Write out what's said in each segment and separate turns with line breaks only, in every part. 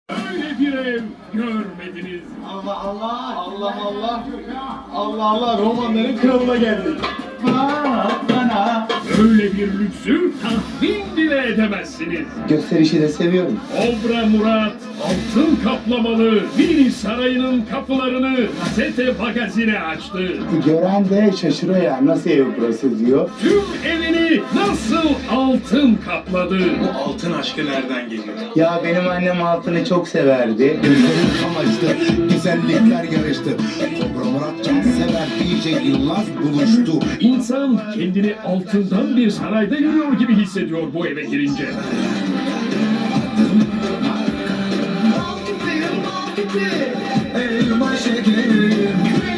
Öyle bir ev görmediniz.
Allah Allah, Allah Allah, Allah Allah, romanların kralına geldik. Bana.
Öyle bir lüksü tahmin bile edemezsiniz.
Gösterişi de seviyorum.
Kobra Murat altın kaplamalı Mini Sarayı'nın kapılarını gazete magazine açtı.
Gören de şaşırıyor ya, nasıl ev burası diyor.
Tüm evini nasıl altın kapladı?
Bu altın aşkı nereden geliyor?
Ya benim annem altını çok severdi.
Gözlerim kamaştı, güzellikler yarıştı. Kobra Murat Cansever DJ Yılmaz buluştu.
İnsan kendini altından bir sarayda yürüyor gibi hissediyor bu eve girince.
Elma şekerim,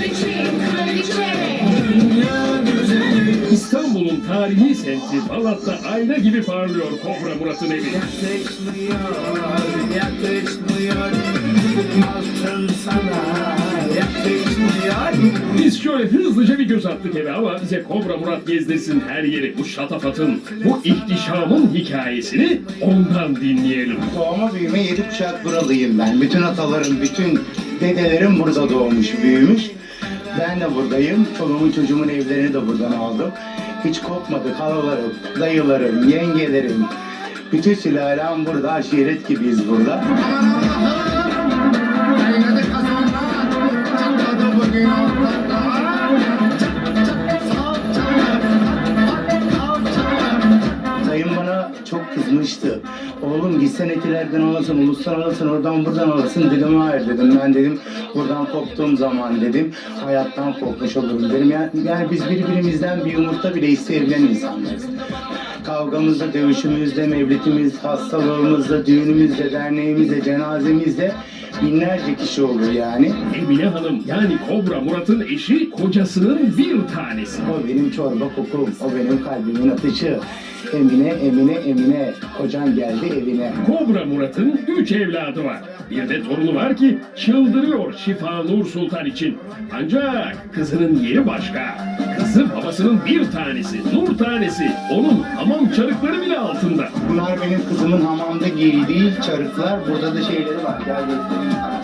dünya güzeli.
İstanbul'un tarihi semti Balat'ta ayna gibi parlıyor Kobra Murat'ın evi.
Yakışmıyor, yakışmıyor. Altın sana yakışmıyor.
Biz şöyle hızlıca bir göz attık eve ama bize Kobra Murat gezdirsin her yeri bu şatafatın, bu ihtişamın hikayesini ondan dinleyelim.
Doğma büyüme 7 kuşak buralıyım ben. Bütün atalarım, bütün dedelerim burada doğmuş, büyümüş. Ben de buradayım. Çoluğumun çocuğumun evlerini de buradan aldım. Hiç kopmadık. Halalarım, dayılarım, yengelerim. Bütün sülalem burada. Aşiret gibiyiz burada. Dayım bana çok kızmıştı. Oğlum gitsen etilerden alasın, ulustan alasın, oradan buradan alasın. Dedim hayır dedim. Ben dedim buradan koptuğum zaman dedim hayattan kopmuş olurum dedim. Yani biz birbirimizden bir yumurta bile isteyebilen insanlarız. Kavgamızda, dövüşümüzde, mevlitimizde, hastalığımızda, düğünümüzde, derneğimizde, cenazemizde binlerce kişi olur yani.
Emine Hanım yani Kobra Murat'ın eşi kocasının bir tanesi.
O benim çorba kokum, o benim kalbimin atışı. Emine, Emine, Emine, kocan geldi evine.
Kobra Murat'ın 3 evladı var. Bir de torunu var ki çıldırıyor Şifa Nur Sultan için. Ancak kızının yeri başka. Kızı babasının bir tanesi, Nur tanesi. Onun hamam çarıkları bile altında.
Bunlar benim kızımın hamamda giydiği çarıklar. Burada da şeyleri var. Gel göstereyim sana.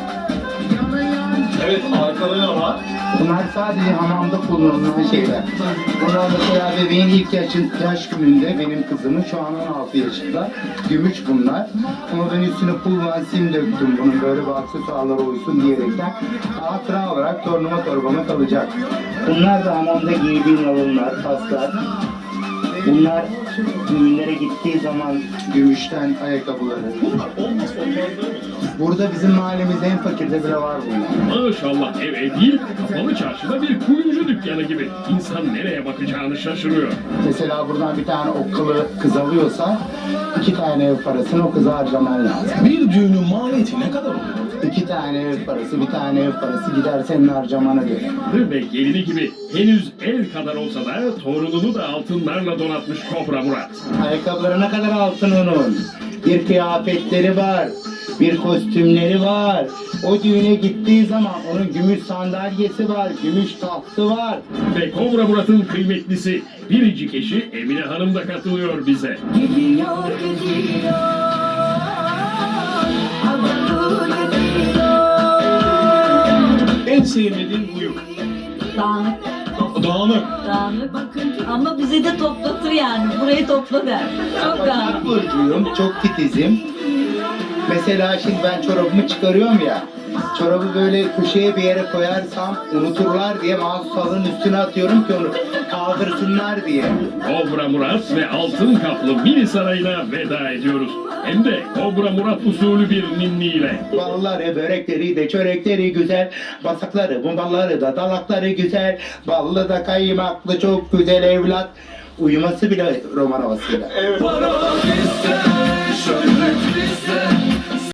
Evet, arkada ne var?
Bunlar sadece hamamda kullanılan şeyler. Bunlar mesela bebeğin ilk yaş gününde benim kızımın şu an 16 yaşında. Gümüş bunlar. Ama ben üstüne pul ve sim döktüm bunun böyle bir aksesuarlara uysun diyerekten. Hatıra olarak tornuma torbama kalacak. Bunlar da hamamda giydiğim alınlar, paslar. Bunlar düğünlere gittiği zaman gümüşten ayakkabıları.
Bunlar olmazsa olmaz değil mi?
Burada bizim mahallemizde en fakirde bile var bunlar.
Maşallah ev değil, kapalı çarşıda bir kuyumcu dükkanı gibi. İnsan nereye bakacağını şaşırıyor.
Mesela buradan bir tane okkalı kız alıyorsa 2 tane ev parasını o kıza harcaman lazım.
Bir düğünün maliyeti ne kadar oluyor?
2 tane ev parası, bir tane ev parası gider senin harcamana göre.
Ve gelini gibi henüz el kadar olsa da torununu da altınlarla donatmış Kobra Murat.
Ayakkabıları ne kadar altın onun. Bir kıyafetleri var, bir kostümleri var. O düğüne gittiği zaman onun gümüş sandalyesi var, gümüş tahtı var.
Ve Kobra Murat'ın kıymetlisi biricik eşi Emine Hanım da katılıyor bize.
Gidiyor, gidiyor. Havalı gidiyor.
En sevmediğin huyu.
Dağınık,
Dağınık.
dağınık. Ama bizi de toplatır yani. Burayı topla der. Çok
Başak
dağınık.
burcuyum, çok titizim. Mesela şimdi ben çorabımı çıkarıyorum ya. Çorabı böyle köşeye bir yere koyarsam unuturlar diye mahsus halının üstüne atıyorum ki onu kaldırsınlar diye.
Kobra Murat ve altın kaplı mini sarayına veda ediyoruz. Hem de Kobra Murat usulü bir ninniyle.
Balları, börekleri de çörekleri güzel. Basakları, bombaları da dalakları güzel. Ballı da kaymaklı çok güzel evlat. Uyuması bile roman havasıyla.
Para ister şöyle